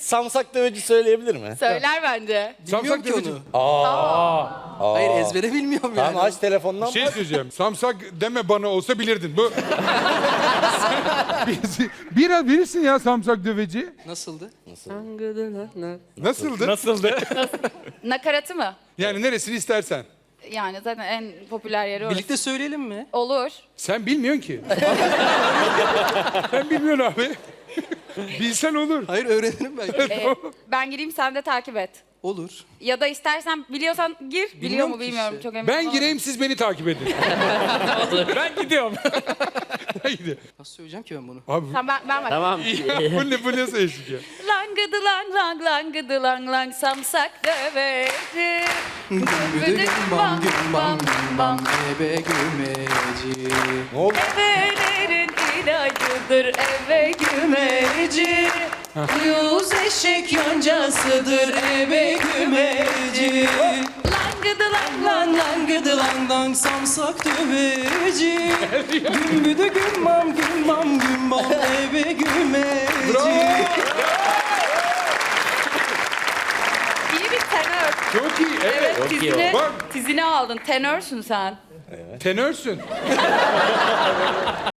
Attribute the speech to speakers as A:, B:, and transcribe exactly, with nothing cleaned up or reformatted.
A: Samsak döveci söyleyebilir mi?
B: Söyler bence.
C: Bilmiyorum ki
D: döveci.
C: onu. Hayır ezbere bilmiyorum yani.
A: Tamam aç telefondan
E: Bir şey
A: bak.
E: söyleyeceğim. Samsak deme bana olsa bilirdin. Bu... Biraz bilirsin ya samsak döveci.
C: Nasıldı?
E: Nasıldı?
F: Nasıldı?
B: Nakaratı mı?
E: Yani neresini istersen.
B: Yani zaten en popüler yeri orası.
C: Birlikte söyleyelim mi?
B: Olur.
E: Sen bilmiyorsun ki. Sen bilmiyorsun abi. Bilsen olur.
C: Hayır öğrenirim ben.
B: Ee, ben gireyim sen de takip et.
C: Olur.
B: Ya da istersen biliyorsan gir. Biliyor
C: Bilmiyorum
B: mu
C: ki
B: bilmiyorum.
C: işte.
B: Çok emin
E: Ben
B: olamadım.
E: gireyim siz beni takip edin.
F: Ben gidiyorum.
E: Haydi.
C: Nasıl söyleyeceğim ki ben bunu?
E: Abi
B: Tamam ben, ben bak.
A: Tamam.
E: bu ne bu nasıl eşlik ya?
B: Langıdı lang lang langıdı lang lang samsak döveci.
C: Güdüm bam güm bam güm bam ebe gümeci.
A: Ne oldu?
B: Evelerin ilacıdır eve gümeci.
C: Yüz eşek yoncasıdır ebe gümeci.
B: Langıdı lang lang.
C: Lan lan gıdı lan lan samsak döveci. Gümbüdü güm bam güm bam güm bam ebe gümeci.
B: İyi bir tenör.
E: Çok iyi. Evet.
B: Evet,
A: Çok iyi
B: tizini,
E: Bak.
B: tizini aldın. Tenörsün sen.
E: Tenörsün.